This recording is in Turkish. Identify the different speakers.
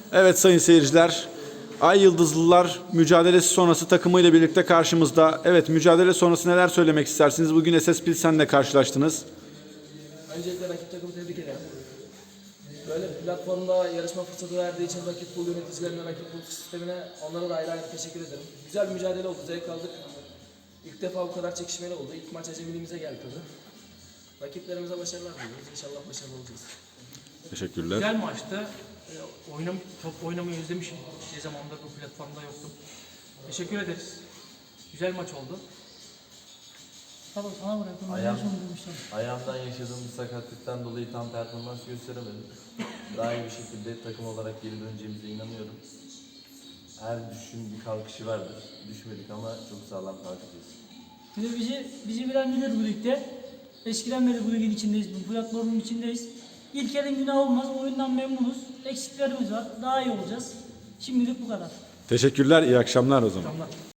Speaker 1: Evet sayın seyirciler, Ay Yıldızlılar mücadelesi sonrası takımıyla birlikte karşımızda. Evet, mücadele sonrası neler söylemek istersiniz? Bugün SS Pilsen'le karşılaştınız.
Speaker 2: Öncelikle rakip takımı tebrik ederim. Böyle platformda yarışma fırsatı verdiği için rakip pool yöneticilerine, rakip pool sistemine onlara da ayrı ayrı teşekkür ederim. Güzel bir mücadele oldu, zevk aldık. İlk defa bu kadar çekişmeli oldu. İlk maç acemiliğimize geldi tabii. Rakiplerimize başarılar diliyoruz. İnşallah başarılı olacağız.
Speaker 1: Teşekkürler.
Speaker 3: Güzel maçtı. Top oynamayı özlemişim. Ne zamandır bu platformda yoktum. Teşekkür ederiz. Güzel maç oldu.
Speaker 4: Tamam sana bırakın.
Speaker 5: Ayağımdan yaşadığım bir sakatlıktan dolayı tam performans gösteremedim. Daha iyi bir şekilde takım olarak geri döneceğimize inanıyorum. Her düşün bir kalkışı vardır. Düşmedik ama çok sağlam kalkacağız.
Speaker 4: Bir de bizi bilen bilir bu ligde. Eskiden beri bu ligin içindeyiz, bu platformun içindeyiz. İlk elin günah olmaz, oyundan memnunuz. Eksiklerimiz var, daha iyi olacağız. Şimdilik bu kadar.
Speaker 1: Teşekkürler, iyi akşamlar o zaman.
Speaker 3: Tamam.